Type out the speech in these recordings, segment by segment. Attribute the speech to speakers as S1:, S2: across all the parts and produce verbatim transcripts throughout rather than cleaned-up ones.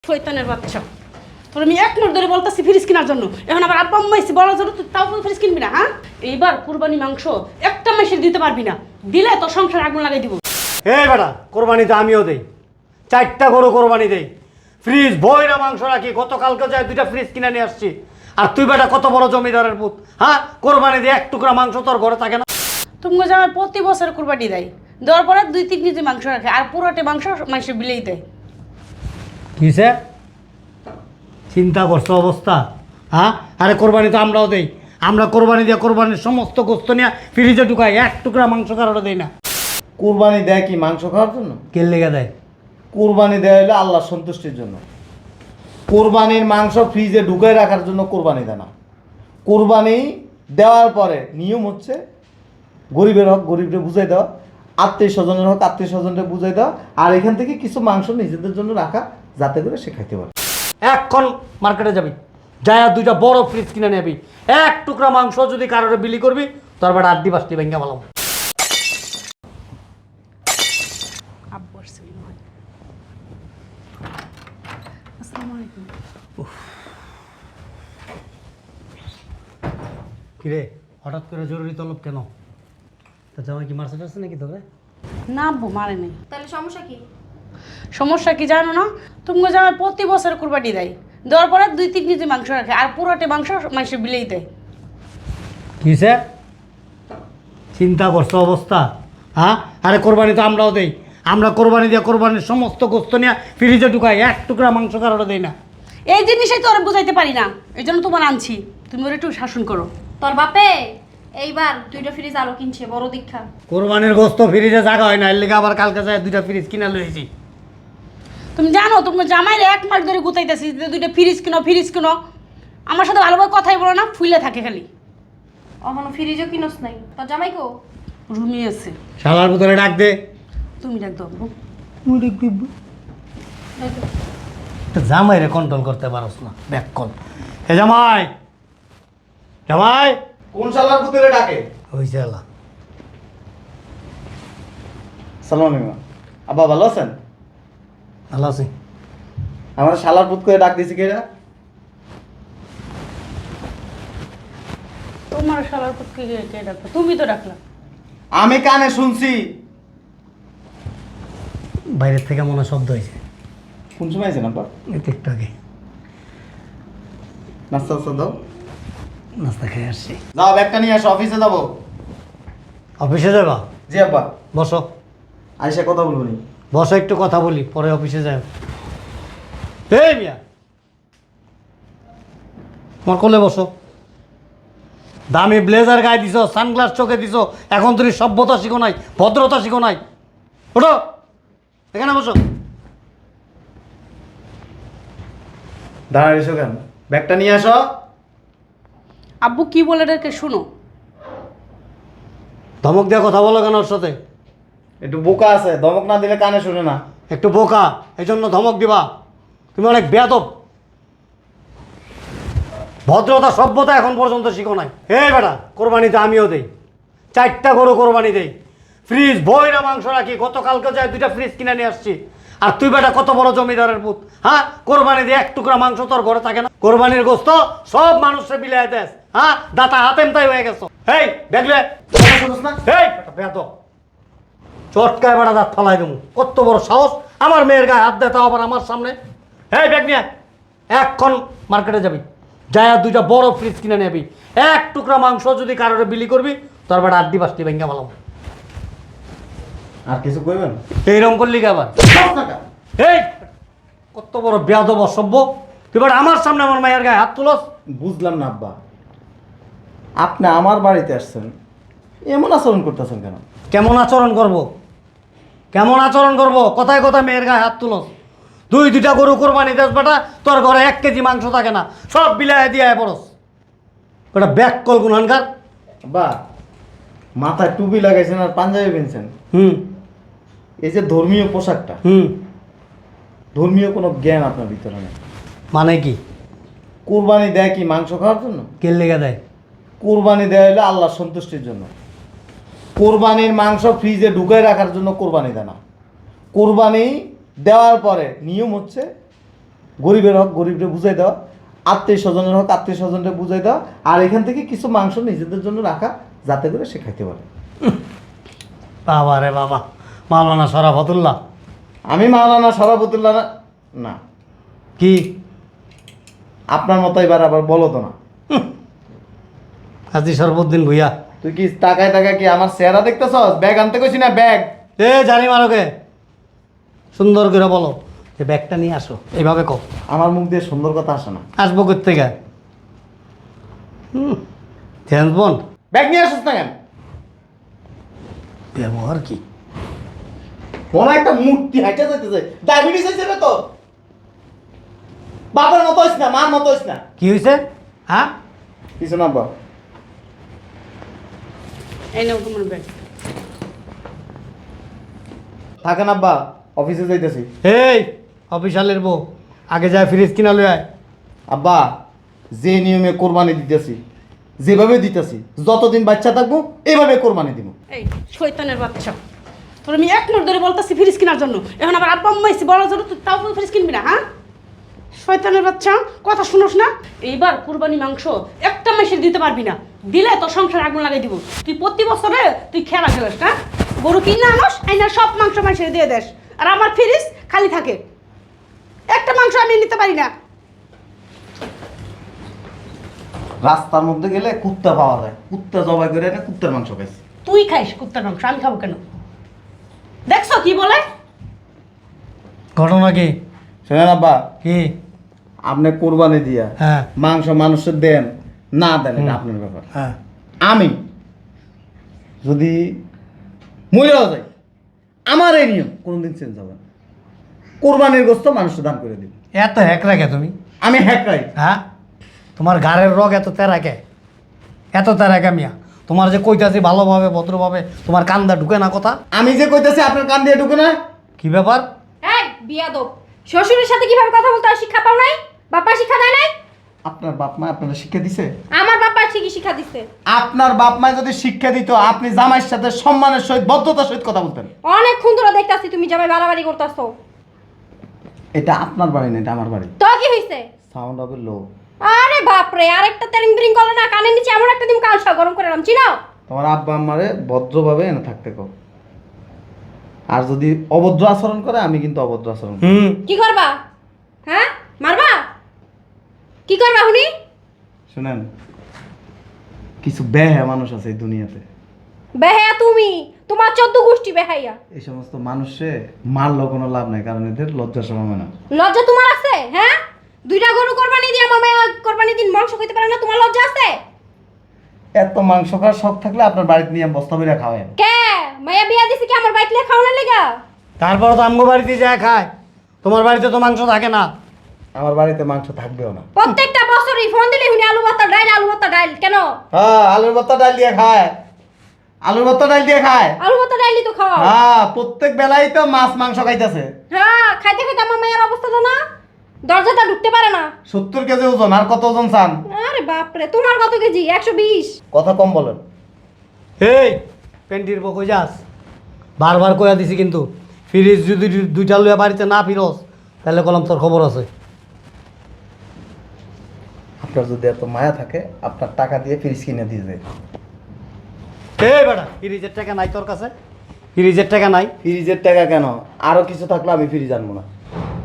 S1: শয়তানের বাচ্চা, তোর আমি এক মিনিট ধরে বলতেছি ফ্রিজ কেনার জন্য, এখন আবার আব্বা আম্মা এসে বলার জন্য তুই তাও ফ্রিজ কিনবি না? হ্যাঁ, এইবার কুরবানি মাংস একটা মাসের দিতে পারবি না, দিলে তোর সংসার আগুন লাগাই দিব।
S2: এই বেটা, কোরবানি তো আমিও দেই, চারটা গরু কোরবানি দেই, ফ্রিজ ভইরা মাংস রাখি। গতকালকে যায় দুইটা ফ্রিজ কিনে নিয়ে আসছি। আর তুই বেটা কত বড় জমিদারের পুত, হ্যাঁ? কোরবানি দিয়ে এক টুকরা মাংস তোর ঘরে থাকে না?
S1: তুমি জামাই প্রতি বছর কুরবানি দেয়, দেওয়ার পরে দুই তিন কেজি মাংস রাখে, আর পুরোটা মাংস মাংসের বিলেই দেয়।
S2: কিসে চিন্তা করছো অবস্থা? হ্যাঁ, আরে কোরবানি তো আমরাও দেই, আমরা কোরবানি দিয়ে কোরবানির সমস্ত গোস্ত নিয়ে ফ্রিজে ঢুকাই, এক টুকরা মাংস কারোটা দেই না।
S3: কুরবানি দেয় কি মাংস খাওয়ার জন্য?
S2: কে লেগে দেয়?
S3: কুরবানি দেয় হলো আল্লাহর সন্তুষ্টির জন্য। কুরবানির মাংস ফ্রিজে ঢুকাই রাখার জন্য কুরবানি দেয় না। কুরবানি দেওয়ার পরে নিয়ম হচ্ছে গরিবের হক গরিবকে বুঝাই দেওয়া, আত্মীয় স্বজনের হক আত্মীয় স্বজনকে বুঝাই দেওয়া, আর এখান থেকে কিছু মাংস নিজেদের জন্য রাখা, যাতে করে সে খাইতে পারে।
S2: এখন মার্কেটে যাবি, যায় দুইটা বড় ফ্রিজ কিনে নেবি, এক টুকরা মাংস যদি কারোর বিলি করবি তোর বেটা আড্ডি বাসটি ভেঙে ভালো।
S1: আব্বু আসছে মনে হয়। আসসালামু আলাইকুম।
S2: কিরে, হঠাৎ করে জরুরি তলব কেন? তা জামাই কি মার্সেট আছে নাকি তোকে?
S1: না আব্বু, মারে নেই।
S4: তাহলে সমস্যা কি?
S1: সমস্যা কি জানো না? তুমি জামাই প্রতি বছর কুরবানি দেয়, দেওয়ার পরে দুই তিন কেজি মাংস রাখে, আর পুরোটা মাংস মাংসের বিলেই দেয়।
S2: কিসে চিন্তা করছো অবস্থা? হ্যাঁ, আরে কোরবানি তো আমরাও দেই, আমরা কোরবানি দিয়ে কোরবানির সমস্ত গোস্ত নিয়ে ফ্রিজে ঢুকাই, এক টুকরা মাংস কারোটা দেই না।
S1: এই জিনিসই তো ওরা বুঝাইতে পারি না, এই জন্য তোমার আনছি, তুমি ওর একটু শাসন করো।
S4: তোর বাপে এইবার দুইটা ফ্রিজ আরো কিনছে, বড় দীক্ষা।
S2: কোরবানির গোস্ত ফ্রিজে জায়গা হয় না, এর লেগে আবার কালকে যায় দুইটা ফ্রিজ কিনা লইছি।
S1: তুমি জানো তুমি জামাইলে এক মাস ধরে গুতাইতেছি যে দুইটা ফ্রিজ কিনো ফ্রিজ কিনো, আমার সাথে ভালোভাবে কথাই বলো না, ফুলে থাকে খালি।
S4: এখনো ফ্রিজও কিনোস নাই, তোর জামাই কো?
S1: রুমি আছে।
S2: শালার ভিতরে ডাক দে।
S1: তুমি ডাক দাও আব্বু।
S2: তুই ডাক দিবি, জামাই রে কন্ট্রোল করতে পারস না, ব্যাক কল। হে জামাই, জামাই
S3: কোন শালার পুতুলে ডাকে?
S2: হইছে আলা।
S3: সালাম আলাইকুম। আব্বা ভালো আছেন?
S2: ভালো আছি।
S3: আমার শালার পুত করে ডাক দিছি কেরা?
S1: তোমার শালার পুতকে কে কে ডাকলো? তুমি তো ডাকলা।
S3: আমি কানে শুনছি।
S2: বাইরের থেকে মনে হয় শব্দ হয়েছে।
S3: কোন সময় আছেন আব্বা?
S2: এই তো একটু আগে
S3: নাস্তা টাস্তা দাও।
S2: নাস্তা খেয়ে আসছি।
S3: যাও ব্যাগটা নিয়ে আসো, অফিসে যাবো।
S2: অফিসে যাবা?
S3: জি আব্বা।
S2: বসো
S3: আইসা কথা বলবো নি।
S2: বসো, একটু কথা বলি, পরে অফিসে যাই। এই মিয়া, তোমার কোলে বসো। দামি ব্লেজার গায়ে দিছো, সানগ্লাস চোখে দিছো, এখন তুমি সভ্যতা শিখো নাই, ভদ্রতা শিখো নাই। ওঠো, এখানে বসো।
S3: দাঁড়ায় এসো কেন? ব্যাগটা নিয়ে আসো।
S1: আব্বু কি বলে ডাকে শুনো।
S2: ধমক দিয়ে কথা বলো কেন ওর সাথে?
S3: একটু বোকা আছে, ধমক না দিলে কানে শুনে না।
S2: একটু বোকা, এই জন্য ধমক দিবা? তুমি অনেক বেয়াদব, ভদ্রতা সভ্যতা এখন পর্যন্ত শিখো নাই। এই বেটা, কোরবানিতে আমিও দেই, চারটা গরু কোরবানি দেই, ফ্রিজ ভইরা মাংস রাখি। গতকালকে যায় দুইটা ফ্রিজ কিনে নিয়ে আসছি। আর তুই বেটা কত বড় জমিদারের পুত, হ্যাঁ? কোরবানি দিয়ে এক টুকরা মাংস তোর ঘরে থাকে না? কোরবানির গোস্ত সব মানুষের বিলাই দেশ, হ্যাঁ? দাতা হাতেম তাই হয়ে গেছো। এই দেখলে
S3: না
S2: এই বেয়াদব, চটকায় বেটা দাঁত ফালাই দেবো। কত বড় সাহস আমার মেয়ের গায়ে হাত দেয়, তাও আবার আমার সামনে। এই ব্যাগ নিয়ে এখন মার্কেটে যাবি, যায় দুইটা বড় ফ্রিজ কিনে নেবি, এক টুকরা মাংস যদি কারোর বিলি করবি তোর বেটা আড্ডি বাসটি ভেঙে ভালো।
S3: আর কিছু কইবেন?
S2: এইরকম করলি কি আবার? এই কত বড় বেয়াদব অসভ্য, তুই বেটা আমার সামনে আমার মায়ের গায়ে হাত তুলস।
S3: বুঝলাম না আব্বা, আপনি আমার বাড়িতে আসছেন, এমন আচরণ করতেছেন কেন?
S2: কেমন আচরণ করব? কেমন আচরণ করব? কথায় কথায় মেয়ের গায়ে হাত তুলস। দুই দুইটা গরু কোরবানি দেস বেটা, তোর ঘরে এক কেজি মাংস থাকে না, সব বিলায় দিয়ে পড়স। ওটা ব্যাক কল গুনহানকার।
S3: আব্বা, মাথায় টুপি লাগাইছেন আর পাঞ্জাবি পেনছেন,
S2: হুম
S3: এই যে ধর্মীয় পোশাকটা,
S2: হুম
S3: ধর্মীয় কোনো জ্ঞান আপনার ভিতরে নেই।
S2: মানে কি?
S3: কুরবানি দেয় কি মাংস খাওয়ার জন্য?
S2: কে লেগে দেয়?
S3: কুরবানি দেয় হলো আল্লাহর সন্তুষ্টির জন্য। কোরবানির মাংস ফ্রিজে ঢুকাই রাখার জন্য কোরবানি দেয় না। কোরবানি দেওয়ার পরে নিয়ম হচ্ছে গরিবের হক গরিবরে বুঝাই দেওয়া, আত্মীয় স্বজনের হক আত্মীয় স্বজনরে বুঝাই দেওয়া, আর এখান থেকে কিছু মাংস নিজেদের জন্য রাখা, যাতে করে সে খাইতে পারে।
S2: বাবা রে বাবা, মাওলানা শরাফতুল্লাহ।
S3: আমি মাওলানা শরাফতুল্লাহ না, না
S2: কি
S3: আপনার মতো এবার আবার বলো তো না।
S2: হাজি শরফুদ্দিন ভুইয়া।
S3: তুই কি তাকায় তাকায় কি আমার চেহারা দেখতেছস? ব্যাগ আনতে কইছি না, ব্যাগ।
S2: এ জানি মারোকে, সুন্দর করে বলো যে ব্যাগটা নিয়ে আসো, এইভাবে কও।
S3: আমার মুখ দিয়ে সুন্দর কথা আসে না।
S2: আসবো কোথেকে? হুম, জেমস বন্ড।
S3: ব্যাগ নিয়ে আসিস না কেন?
S2: ব্যবহার কি?
S3: মনে একটা মূর্তি হাইটা যাইতেছে, ডায়াবেটিস হয়েছে রে তোর। বাবার মতো হইস না, মার মতো হইস না।
S2: কি হয়েছে? হ্যাঁ,
S3: কিছু না বা।
S1: এই নাও তোমার ব্যাগ।
S3: থাকেন আব্বা, অফিসে যাইতেছি।
S2: এই অফিসালের বউ, আগে যায় ফ্রিজ কিনা লই আয়।
S3: আব্বা, যে নিয়মে কোরবানি দিতেছি, যেভাবে দিতেছি, যতদিন বাচ্চা থাকবো এইভাবে কোরবানি দিব।
S1: এই শয়তানের বাচ্চা, তোর আমি এক মিনিট ধরে বলতেছি ফ্রিজ কেনার জন্য, এখন আবার আব্বা আম্মা এসে বলার জন্য তুই তাও ফ্রিজ কিনবি না? হ্যাঁ, শয়তানের বাচ্চা, কথা শুনোস না? এইবার কুরবানি মাংস একটা মাসের দিতে পারবি না, দিলে তোর সংসার আগুন লাগাই দিব। তুই প্রতি বছরে তুই খেলা খেলাস না, গরু কিনে আনস, আইনা সব মাংস মাসের দিয়ে দেস, আর আমার ফ্রিজ খালি থাকে, একটা মাংস আমি নিতে পারি না।
S3: রাস্তার মধ্যে গেলে কুত্তা পাওয়া যায়, কুত্তা জবাই করে এনে কুত্তার মাংস খাইছি।
S1: তুই খাইস কুত্তার মাংস, আমি খাবো কেন? দেখছো কি বলে?
S2: ঘটনা কি?
S3: শোনেন আব্বা,
S2: কি?
S3: আপনি কোরবানি দিয়া
S2: হ্যাঁ
S3: মাংস মানুষের দেন না দেন এটা আপনার ব্যাপার।
S2: হ্যাঁ,
S3: আমি যদি মহিলাও যাই, আমার এই নিয়ম কোনোদিন চেঞ্জ হবে না। কোরবানির গোস্ত মানুষের দান করে দিন।
S2: এত হ্যাক রাখে তুমি?
S3: আমি হ্যাকরাই।
S2: হ্যাঁ, তোমার গাড়ের রোগ এত তেরাকে, এত তেরাকে মিয়া। তোমার যে কইতাছি ভালোভাবে ভদ্রভাবে, তোমার কান্দা ঢুকে না কথা।
S3: আমি যে কইতেছি আপনার কান দিয়ে ঢুকে না।
S2: কি ব্যাপার?
S4: এই বিয়াদব, শ্বশুরের সাথে কিভাবে কথা বলতে হয় শিক্ষা পাও নাই? বাবা শিক্ষা দেয় নাই?
S3: আপনার বাপ মা আপনারা শিক্ষা দিছে?
S4: আমার বাবা ঠিকই শিক্ষা দিচ্ছে।
S3: আপনার বাপ মা যদি শিক্ষা দিত, আপনি জামাইয়ের সাথে সম্মানের সহিত ভদ্রতার সহিত কথা বলতেন।
S4: অনেকক্ষণ ধরে দেখতাছি তুমি জামাই বাড়াবাড়ি করতেছো।
S3: এটা আপনার বাড়ি না, এটা আমার বাড়ি।
S4: তো কি হইছে?
S3: সাউন্ড হবে লো।
S4: আরে বাপ রে, আরেকটা তেরিং বিরিং করলো না, কানের নিচে এমন একটা দিন কালসা গরম করে রাম, চিনাও?
S3: তোমার আব্বা আম্মারে ভদ্রভাবে এনে থাকতে কও। আর যদি অভদ্র আচরণ করে, আমি কিন্তু অভদ্র আচরণ করব।
S2: হুম,
S4: কি করবা? হ্যাঁ, মারবা? কি করবা হুনি?
S3: শুনেন, কিছু বেহা মানুষ আছে এই দুনিয়াতে।
S4: বেহায়া তুমি, তোমার চোদ্দ গোষ্ঠী বেহাইয়া।
S3: এই সমস্ত মানুষে মারলেও কোনো লাভ নাই, কারণ এদের লজ্জা শরম হয় না।
S4: লজ্জা তোমার আছে? হ্যাঁ, দুইটা গরু কোরবানি দিয়ে আমার মায়া কোরবানি দিন মাংস খেতে পারে না, তোমার লজ্জা আছে?
S3: এত মাংস খাওয়ার শখ থাকলে আপনার বাড়িতে নিয়ে বস্তা বেরা খাওয়ায়।
S4: কে মায়া বিয়া দিছে কি আমার বাইকলে খাওয়ানোর লেগা?
S2: তারপরে তো আমগো বাড়িতে যায় খায়, তোমার বাড়িতে তো মাংস থাকে না।
S3: আমার বাড়িতে মাংস থাকবেও না।
S4: প্রত্যেকটা বছরই ফোন দিলে হুনি আলু ভর্তা ডাইল, আলু ভর্তা ডাইল। কেন?
S3: হ্যাঁ, আলুর ভর্তা ডাল দিয়ে খায়, আলুর ভর্তা ডাল দিয়ে খায়।
S4: আলু ভর্তা ডাইলই তো খাওয়া।
S3: হ্যাঁ, প্রত্যেক বেলায় তো মাছ মাংস খাইতেছে।
S4: হ্যাঁ, খাইতে খাইতে আমার মায়ের অবস্থা তো না, দরজাটা ঢুকতে পারে না।
S3: সত্তর কেজি ওজন, আর কত ওজন চান?
S4: আরে বাপরে, তোমার কত কেজি? একশো বিশ।
S3: কথা কম বলেন।
S2: এই পেন্টির বউ কই যাস? বারবার কইয়া দিছি কিন্তু, ফ্রিজ যদি দু- দুইটা লইয়া বাড়িতে না ফিরস, তাহলে কলম তোর খবর আছে।
S3: আপনার যদি এত মায়া থাকে, আপনার টাকা দিয়ে ফ্রিজ কিনে দিয়ে যায়।
S2: এই বেটা, ফ্রিজের টাকা নাই তোর কাছে? ফ্রিজের টাকা নাই?
S3: ফ্রিজের টাকা কেন, আরো কিছু থাকলে আমি ফ্রিজ আনবো না।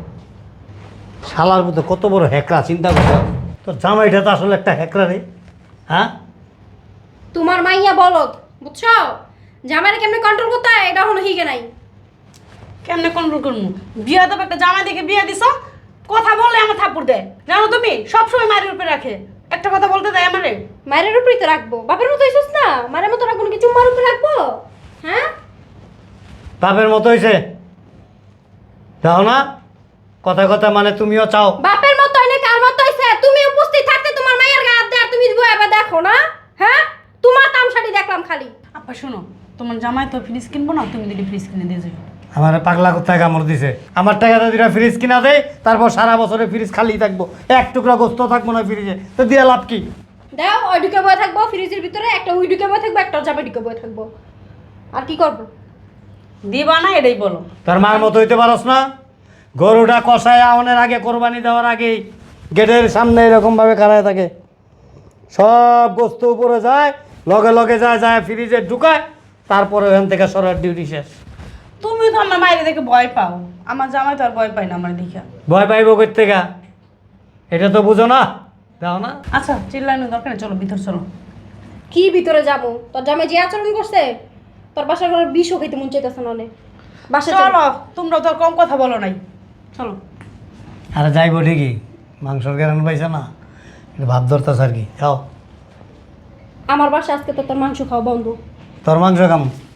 S2: শালার মধ্যে কত বড় হ্যাকরা, চিন্তা কর। তোর জামাইটা তো আসলে একটা হ্যাকরা রে। হ্যাঁ,
S4: তোমার মাইয়া বলদ, বুঝছো? জামাইরে কেমনে কন্ট্রোল করতে হয় এটা হলো হিগে নাই।
S1: কেমনে কন্ট্রোল করবো? বিয়া দেবো একটা জামাই দেখে বিয়া দিছ, কথা বললে আমার থাপ্পড় দেয়, জানো তুমি? সবসময় মায়ের উপরে রাখে, একটা কথা বলতে দেয় আমারে।
S4: মায়ের উপরেই তো রাখবো, বাপের মতো হইছিস না? মায়ের মতো রাখবো নাকি চুম্মার উপরে রাখবো? হ্যাঁ,
S2: বাপের মতো হয়েছে, চাও না? কথায় কথা মানে তুমিও চাও।
S4: বাপের মতো হইলে কার মতো হইছে? তুমি উপস্থিত থাকতে তোমার মায়ের গায়ে হাত দেয় আর তুমি এবার দেখো না? হ্যাঁ, তোমার তামশাড়ি দেখলাম খালি।
S1: আপা শোনো, তোমার জামাই তো ফ্রিজ কিনবো না, তুমি যদি ফ্রিজ কিনে দিয়ে যাও।
S2: আমার পাগলা কোথায় কামড় দিছে? আমার টাকাটা দুটা ফ্রিজ কিনা দেয়, তারপর সারা বছরে ফ্রিজ খালি থাকবো, এক টুকরা গোস্ত থাকবো না ফ্রিজে, তো দিয়া লাভ কি?
S4: দাও, ওই ঢুকে বয়ে থাকবো ফ্রিজের ভিতরে, একটা ওই ঢুকে বয়ে থাকবো, একটা জামা ঢুকে বয়ে থাকবো। আর কি করবো?
S1: দিবা না এটাই বলো।
S2: তার মার মতো হইতে পারস না? গরুটা কষায় আওয়ানোর আগে, কোরবানি দেওয়ার আগেই গেটের সামনে এরকমভাবে খাড়ায় থাকে। সব গোস্ত উপরে যায়, লগে লগে যায়, যায় ফ্রিজে ঢুকায়, তারপরে ওখান থেকে সরার ডিউটি শেষ।
S1: তুমি তো আমার মায়ের দেখে ভয় পাও, আমার জামাই তো আর ভয় পাই না আমার দেখা।
S2: ভয় পাইব কই থেকে? এটা তো বুঝো না, দাও না।
S1: আচ্ছা চিল্লানোর দরকার নেই, চলো ভিতর চলো।
S4: কি ভিতরে যাবো? তোর জামাই যে আচরণ করছে, তোর বাসার ঘরে বিষও খেতে মন চাইতেছে না অনেক। বাসা চলো।
S1: চলো, তোমরা তো আর কম কথা বলো নাই, চলো।
S2: আরে যাইব ঠিকই, মাংসর গ্যারান পাইছে না, এটা ভাব ধরতেছে আর কি। যাও,
S4: আমার বাসা আজকে তো তোর মাংস খাওয়া বন্ধ।
S2: তোর মাংস খাম।